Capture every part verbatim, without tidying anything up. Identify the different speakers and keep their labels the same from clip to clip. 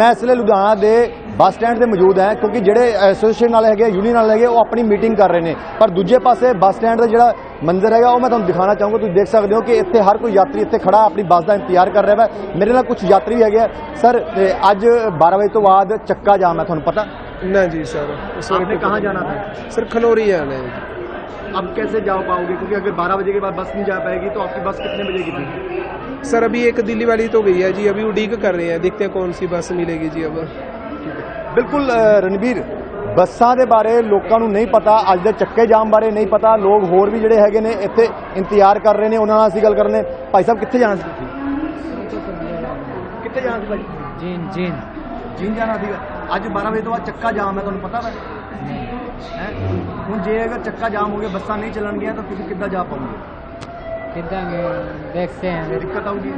Speaker 1: मैं इसलिए लुधियाना के बस स्टैंड से मौजूद है क्योंकि ਜਿਹੜੇ ਐਸੋਸੀਏਸ਼ਨ ਵਾਲੇ ਹੈਗੇ यूनियन वाले ਹੈਗੇ ਉਹ ਆਪਣੀ ਮੀਟਿੰਗ ਕਰ ਰਹੇ ਨੇ ਪਰ ਦੂਜੇ ਪਾਸੇ ਬੱਸ ਸਟੈਂਡ ਦਾ ਜਿਹੜਾ ਮੰਜ਼ਰ ਹੈਗਾ ਉਹ ਮੈਂ ਤੁਹਾਨੂੰ ਦਿਖਾਣਾ ਚਾਹੂੰਗਾ। ਤੁਸੀਂ ਦੇਖ ਸਕਦੇ ਹੋ ਕਿ ਇੱਥੇ ਹਰ ਕੋਈ ਯਾਤਰੀ ਇੱਥੇ ਖੜਾ ਆਪਣੀ ਬੱਸ ਦਾ ਇੰਤਜ਼ਾਰ ਕਰ ਰਿਹਾ ਹੈ। ਮੇਰੇ ਨਾਲ ਕੁਝ ਯਾਤਰੀ ਵੀ ਹੈਗੇ ਸਰ। ਅੱਜ बारह ਵਜੇ ਤੋਂ ਬਾਅਦ ਚੱਕਾ ਜਾਮ ਹੈ, ਤੁਹਾਨੂੰ पता?
Speaker 2: ना जी सर।
Speaker 1: आपने कहाँ जाना था?
Speaker 2: सर खनौरी जाना है।
Speaker 1: अब कैसे जा पाओगे क्योंकि अगर बारह बजे के बाद बस नहीं जा पाएगी तो आपकी बस कितने बजे की थी?
Speaker 2: सर अभी एक दिल्ली वाली तो गई है जी, अभी उड़ीक कर रहे हैं, देखते हैं कौन सी बस मिलेगी जी। अब
Speaker 1: बिल्कुल रणबीर, ਬੱਸਾਂ ਦੇ ਬਾਰੇ ਲੋਕਾਂ ਨੂੰ ਨਹੀਂ ਪਤਾ, ਅੱਜ ਦੇ ਚੱਕੇ ਜਾਮ ਬਾਰੇ ਨਹੀਂ ਪਤਾ। ਲੋਕ ਹੋਰ ਵੀ ਜਿਹੜੇ ਹੈਗੇ ਨੇ ਇੱਥੇ ਇੰਤਜ਼ਾਰ ਕਰ ਰਹੇ ਨੇ, ਉਹਨਾਂ ਨਾਲ ਅਸੀਂ ਗੱਲ ਕਰਨੇ। ਭਾਈ ਸਾਹਿਬ ਕਿੱਥੇ ਜਾਣਾ ਸੀ ਤੁਸੀਂ? ਕਿੱਥੇ ਜਾਣਾ ਸੀ ਭਾਈ?
Speaker 3: ਜੀਨ ਜੀਨ
Speaker 1: ਜੀਨ ਜਾਣਾ ਸੀਗਾ। ਅੱਜ बारह ਵਜੇ ਤੋਂ ਬਾਅਦ ਚੱਕਾ ਜਾਮ ਹੈ, ਤੁਹਾਨੂੰ ਪਤਾ ਹੈ? ਹੈ ਹੁਣ ਜੇ ਅਗਰ ਚੱਕਾ ਜਾਮ ਹੋ ਗਿਆ, ਬੱਸਾਂ ਨਹੀਂ ਚੱਲਣਗੀਆਂ ਤਾਂ ਤੁਸੀਂ ਕਿੱਦਾਂ ਜਾ ਪਾਓਗੇ?
Speaker 3: ਕਿੱਦਾਂ ਦੇਖਦੇ ਹਾਂ,
Speaker 1: ਦਿੱਕਤ ਆਊਗੀ।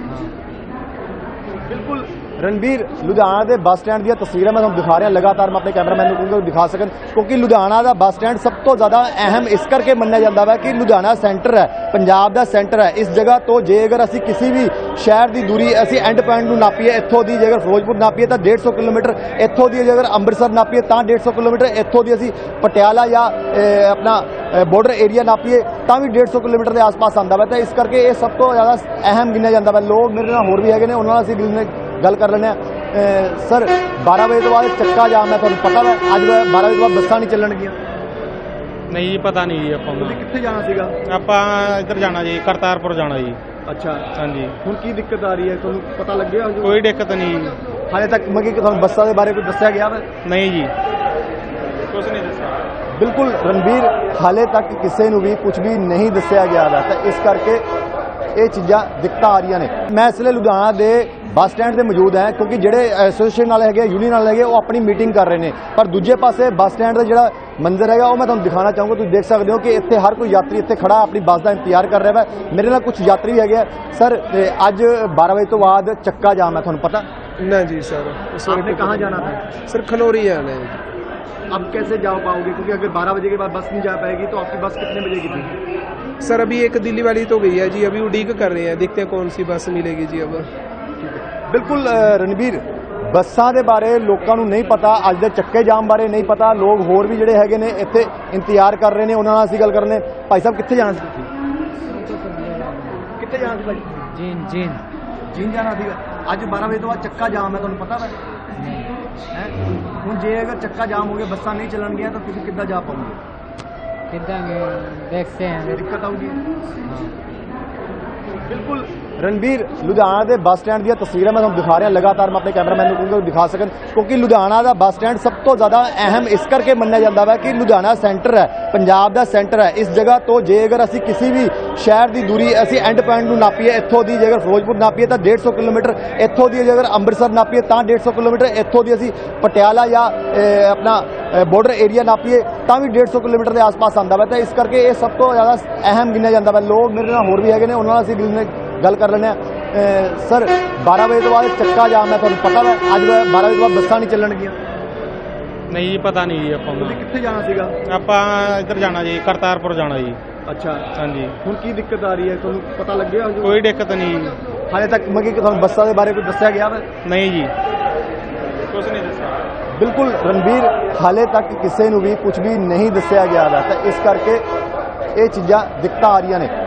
Speaker 1: बिल्कुल रणबीर, लुधियाना के बस स्टैंड दी तस्वीरें मैं तुहानूं दिखा रहा। लगातार मैं अपने कैमरामैन को कहूँगा दिखा सकन क्योंकि लुधियाना का बस स्टैंड सब तो ज़्यादा अहम इस करके मन्निया जाता है कि लुधियाना सेंटर है, पंजाब का सेंटर है। इस जगह तो जे अगर असी किसी भी शहर की दूरी असी एंड पॉइंट में नापीए, इत्थों की जेकर फिरोजपुर नापीए तो डेढ़ सौ किलोमीटर, इत्थों की जेकर अंमृतसर नापीए तो डेढ़ सौ किलोमीटर, इत्थों की असी पटियाला या अपना बॉर्डर एरिया नापीए तो भी डेढ़ सौ किलोमीटर के आस पास आता है। तो इस करके ये सब तो ज़्यादा अहम गिनिया जाता है। लोग मेरे नाल होर भी है, उन्होंने असी गल कर लें। सर बारह बजे तो बाद चक्का जाम है, तुहानूं पता है? अज बारह बजे तो बाद बसां नहीं चलणगियां।
Speaker 4: नहीं जी, पता नहीं जी। आपां
Speaker 1: तुसीं कित्थे जाना सीगा?
Speaker 4: आपां इधर जाना जी, करतारपुर जाना जी।
Speaker 1: अच्छा
Speaker 4: हाँ जी।
Speaker 1: हुण की दिक्कत आ रही है, तुहानूं पता लग गया?
Speaker 4: कोई दिक्कत नहीं
Speaker 1: हाले तक मतलब कि तुहानूं बसां दे बारे कोई दस्सिया गया वा?
Speaker 4: नहीं जी, कुछ नहीं दस्सिया।
Speaker 1: बिल्कुल रणबीर, हाले तक किसी नूं भी कुछ भी नहीं दस्सिया गया वा। तो इस करके ये चीज़ां दिक्कत आ रही ने। मैं इसलिए लुधियाना के बस स्टैंड से मौजूद है क्योंकि ਜਿਹੜੇ ਐਸੋਸੀਏਸ਼ਨ ਵਾਲੇ ਹੈਗੇ यूनियन वाले ਹੈਗੇ ਉਹ ਆਪਣੀ ਮੀਟਿੰਗ ਕਰ ਰਹੇ ਨੇ ਪਰ ਦੂਜੇ ਪਾਸੇ ਬੱਸ ਸਟੈਂਡ ਦਾ ਜਿਹੜਾ ਮੰਜ਼ਰ ਹੈਗਾ ਉਹ ਮੈਂ ਤੁਹਾਨੂੰ ਦਿਖਾਣਾ ਚਾਹੂੰਗਾ। ਤੁਸੀਂ ਦੇਖ ਸਕਦੇ ਹੋ ਕਿ ਇੱਥੇ ਹਰ ਕੋਈ ਯਾਤਰੀ ਇੱਥੇ ਖੜਾ ਆਪਣੀ ਬੱਸ ਦਾ ਇੰਤਜ਼ਾਰ ਕਰ ਰਿਹਾ ਹੈ। ਮੇਰੇ ਨਾਲ ਕੁਝ ਯਾਤਰੀ ਵੀ ਹੈਗੇ ਸਰ। ਅੱਜ बारह ਵਜੇ ਤੋਂ ਬਾਅਦ ਚੱਕਾ ਜਾਮ ਹੈ, ਤੁਹਾਨੂੰ पता?
Speaker 2: ना जी सर।
Speaker 1: आपने कहाँ जाना था?
Speaker 2: सर खनौरी जाना है।
Speaker 1: अब कैसे जा पाओगे क्योंकि अगर बारह बजे के बाद बस नहीं जा पाएगी तो आपकी बस कितने बजे की थी?
Speaker 2: सर अभी एक दिल्ली वाली तो गई है जी, अभी उड़ीक कर रहे हैं, देखते हैं कौन सी बस मिलेगी जी। अब
Speaker 1: बिल्कुल रणबीर, ਬੱਸਾਂ ਦੇ ਬਾਰੇ ਲੋਕਾਂ ਨੂੰ ਨਹੀਂ ਪਤਾ, ਅੱਜ ਦੇ ਚੱਕੇ ਜਾਮ ਬਾਰੇ ਨਹੀਂ ਪਤਾ। ਲੋਕ ਹੋਰ ਵੀ ਜਿਹੜੇ ਹੈਗੇ ਨੇ ਇੱਥੇ ਇੰਤਜ਼ਾਰ ਕਰ ਰਹੇ ਨੇ, ਉਹਨਾਂ ਨਾਲ ਅਸੀਂ ਗੱਲ ਕਰਨੇ। ਭਾਈ ਸਾਹਿਬ ਕਿੱਥੇ ਜਾਣਾ ਸੀ ਤੁਸੀਂ? ਕਿੱਥੇ ਜਾਣਾ ਸੀ ਭਾਈ?
Speaker 3: ਜੀਨ ਜੀਨ
Speaker 1: ਜੀਨ ਜਾਣਾ ਸੀਗਾ। ਅੱਜ बारह ਵਜੇ ਤੋਂ ਬਾਅਦ ਚੱਕਾ ਜਾਮ ਹੈ, ਤੁਹਾਨੂੰ ਪਤਾ ਹੈ? ਹੁਣ ਜੇ ਅਗਰ ਚੱਕਾ ਜਾਮ ਹੋ ਗਿਆ, ਬੱਸਾਂ ਨਹੀਂ ਚੱਲਣਗੀਆਂ ਤਾਂ ਤੁਸੀਂ ਕਿੱਦਾਂ ਜਾ ਪਾਓਗੇ?
Speaker 3: ਕਿੱਦਾਂ ਦੇਖਦੇ ਹਾਂ,
Speaker 1: ਦਿੱਕਤ ਆਊਗੀ। बिल्कुल रणबीर, लुधियाना के बस स्टैंड दी तस्वीरें मैं तुहानूं दिखा रहा। लगातार मैं अपने कैमरामैन को कहूँगा दिखा सकन क्योंकि लुधियाना का बस स्टैंड सब तो ज़्यादा अहम इस करके मन्निया जाता है कि लुधियाना सेंटर है, पंजाब का सेंटर है। इस जगह तो जे अगर असी किसी भी शहर की दूरी असी एंड पॉइंट में नापीए, इत्थों की जेकर फिरोजपुर नापीए तो डेढ़ सौ किलोमीटर, इत्थों की जेकर अंमृतसर नापीए तो डेढ़ सौ किलोमीटर, इत्थों की असी पटियाला या अपना बॉर्डर एरिया नापीए तो भी डेढ़ सौ किलोमीटर के आस पास आता है। तो इस करके ये सब तो ज़्यादा अहम गिनिया जाता है। लोग मेरे नाल होर भी है, उन्होंने असी गल कर लें। सर बारह बजे तो बाद चक्का जाम है, तुहानूं पता है? अज बारह बजे तो बाद बसां नहीं चलणगियां।
Speaker 4: नहीं जी, पता नहीं जी। आपां
Speaker 1: तुसीं कित्थे जाना सीगा?
Speaker 4: आपां इधर जाना जी, करतारपुर जाना जी।
Speaker 1: अच्छा
Speaker 4: हाँ जी।
Speaker 1: हुण की दिक्कत आ रही है, तुहानूं पता लग गया?
Speaker 4: कोई दिक्कत नहीं
Speaker 1: हाले तक मतलब कि तुहानूं बसां दे बारे कोई दस्सिया गया वा?
Speaker 4: नहीं जी, कुछ नहीं दस्सिया।
Speaker 1: बिल्कुल रणबीर, हाले तक किसी नूं भी कुछ भी नहीं दस्सिया गया वा। तो इस करके ये चीज़ां दिक्कत आ रही ने।